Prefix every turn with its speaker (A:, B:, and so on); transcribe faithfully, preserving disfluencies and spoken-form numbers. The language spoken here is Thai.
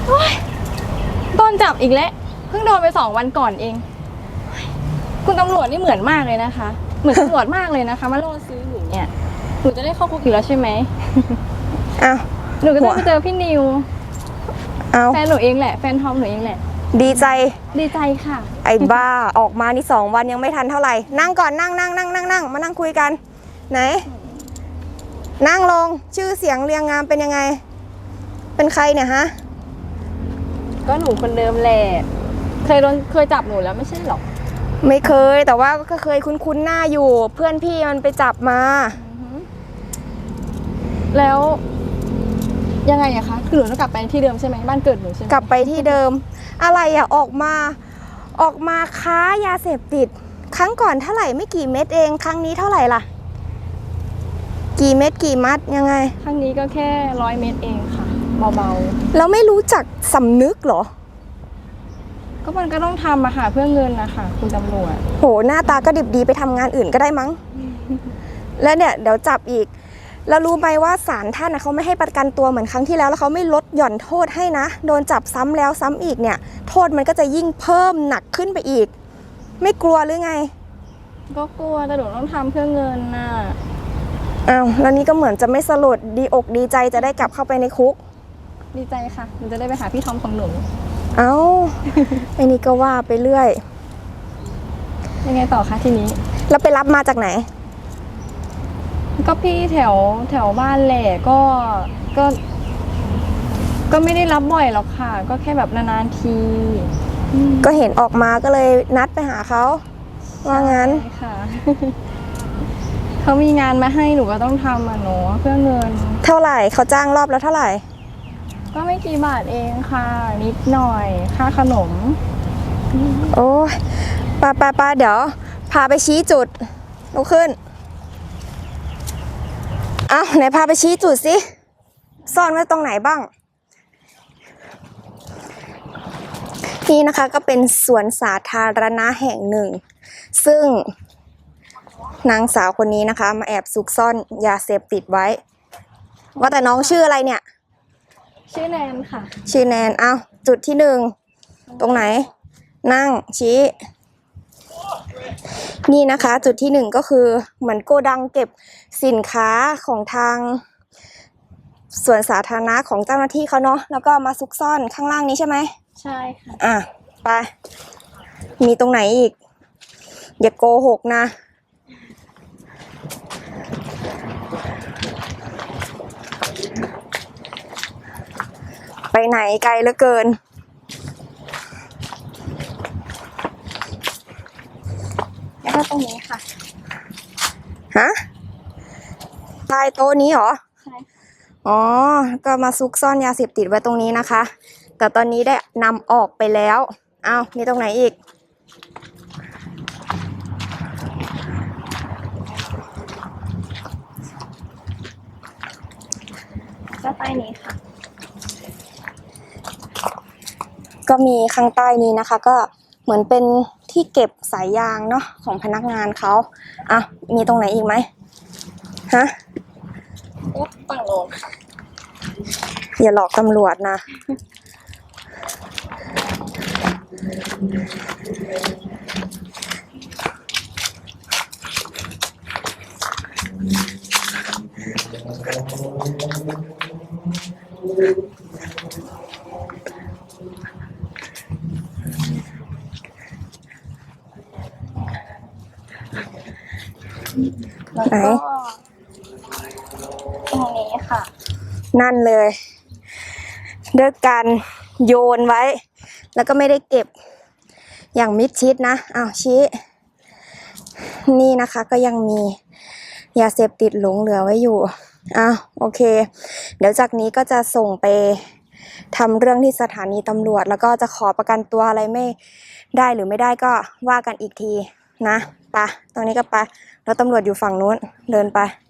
A: โดนจับอีกแล้วเพิ่งโดนไปสองวันก่อนเองคุณตำรวจนี่เหมือนมากเลยนะคะเหมือนตำรวจมากเลยนะคะมาล่อซื้อหนูเนี่ยหนูจะได้เข้าคุกอยู่แล้วใช่ไหม
B: อ้าว
A: หนูก็ต้องไปเจอพี่นิว
B: อ้าว
A: แฟนหนูเองแหละแฟนทอมหนูเองแหละ
B: ดีใจ
A: ดีใจค่ะ
B: ไอ้บ้าออกมานี่สองวันยังไม่ทันเท่าไหร่นั่งก่อนนั่งนั่งนั่งนั่งนั่งมานั่งคุยกันไหนนั่งลงชื่อเสียงเรียงงามเป็นยังไงเป็นใครเนี่ยฮะ
A: ก็หนูคนเดิมแหละเคยโดนเคยจับหนูแล้วไม่ใช่หรอ
B: ไม่เคยแต่ว่าก็เคยคุ้นๆหน้าอยู่เพื่อนพี่มันไปจับมา
A: แล้วยังไงอะคะคือหนูต้องกลับไปที่เดิมใช่ไหมบ้านเกิดหนูใช่ไหม
B: กลับไปที่เดิมอะไรอะออกมาออกมาค้ายาเสพติดครั้งก่อนเท่าไหร่ไม่กี่เม็ดเองครั้งนี้เท่าไหร่ล่ะกี่เม็ดกี่มัดยังไง
A: ครั้งนี้ก็แค่ร้อยเม็ดเองค่ะเบา
B: ๆแล้วไม่รู้จักสำนึกเหรอ
A: ก็มันก็ต้องทำอะค่ะเพื่อเงินนะคะคุณตำรวจ
B: โหหน้าตาก็ดิบดีไปทำงานอื่นก็ได้มั้ง แล้วเนี่ยเดี๋ยวจับอีกแล้วรู้ไหมว่าศาลท่านเขาไม่ให้ประกันตัวเหมือนครั้งที่แล้วแล้วเขาไม่ลดหย่อนโทษให้นะโดนจับซ้ำแล้วซ้ำอีกเนี่ยโทษมันก็จะยิ่งเพิ่มหนักขึ้นไปอีกไม่กลัวหรือไง
A: ก็กลัวแต่หนูต้องทำเพื่อเงินน่ะ
B: อ้าวแล้วนี่ก็เหมือนจะไม่สลดดีอกดีใจจะได้กลับเข้าไปในคุก
A: ดีใจค่ะหนูจะได้ไปหาพี่ทอมของหนู
B: เอ้า ไอ้นี่ก็ว่าไปเรื่อย
A: ยังไงต่อคะทีนี้
B: แล้วไปรับมาจากไหน
A: ก็พี่แถวแถวบ้านแหละก็ก็ก็ไม่ได้รับบ่อยหรอกค่ะก็แค่แบบนานๆที
B: ก็เห็นออกมาก็เลยนัดไปหาเขาว่างั้น
A: ค่ะเขามีงานมาให้หนูก็ต้องทำอ่ะหนูเพื่อเงิน
B: เท่าไหร่เขาจ้างรอบแล้วเท่าไหร่
A: ก็ไม่กี่บาทเองค่ะนิดหน่อยค่าขนม
B: โอ้ยป้าป้าป้าเดี๋ยวพาไปชี้จุดลุกขึ้นอ้าวไหนพาไปชี้จุดสิซ่อนไว้ตรงไหนบ้างนี่นะคะก็เป็นสวนสาธารณะแห่งหนึ่งซึ่งนางสาวคนนี้นะคะมาแอบซุกซ่อนยาเสพติดไว้ว่าแต่น้องชื่ออะไรเนี่ย
A: ชื่อแนนค่ะ
B: ชื่อแนนอ้าวจุดที่หนึ่งตรงไหนนั่งชี้นี่นะคะจุดที่หนึ่งก็คือเหมือนโกดังเก็บสินค้าของทางสวนสาธารณะของเจ้าหน้าที่เขาเนาะแล้วก็มาซุกซ่อนข้างล่างนี้ใช่ไหม
A: ใช่ค่ะ
B: อ่ะไปมีตรงไหนอีกอย่าโกหกนะไปไหนไกลเหลือเกิน
A: แล้วก็ตรงนี้ค่ะ
B: ฮะใต้โต๊ะนี้เหรอ
A: ใช่
B: อ๋อก็มาซุกซ่อนยาเสพติดไว้ตรงนี้นะคะแต่ตอนนี้ได้นำออกไปแล้วอ้าวมีตรงไหนอีก
A: ก็ใต้นี้ค่ะ
B: ก็มีข้างใต้นี้นะคะก็เหมือนเป็นที่เก็บสายยางเนาะของพนักงานเขาอ่ะมีตรงไหนอีกไหมฮะ
A: ฝั่งโน้น
B: อย่าหลอกตำรวจนะ
A: แล้วก็ตรงนี้ค่ะ
B: นั่นเลยด้วยการโยนไว้แล้วก็ไม่ได้เก็บอย่างมิดชิดนะอ้าวชี้นี่นะคะก็ยังมียาเสพติดหลงเหลือไว้อยู่อ้าวโอเคเดี๋ยวจากนี้ก็จะส่งไปทำเรื่องที่สถานีตำรวจแล้วก็จะขอประกันตัวอะไรไม่ได้หรือไม่ได้ก็ว่ากันอีกทีนะไปตรงนี้ก็ไปแล้วตำรวจอยู่ฝั่งนู้นเดินไป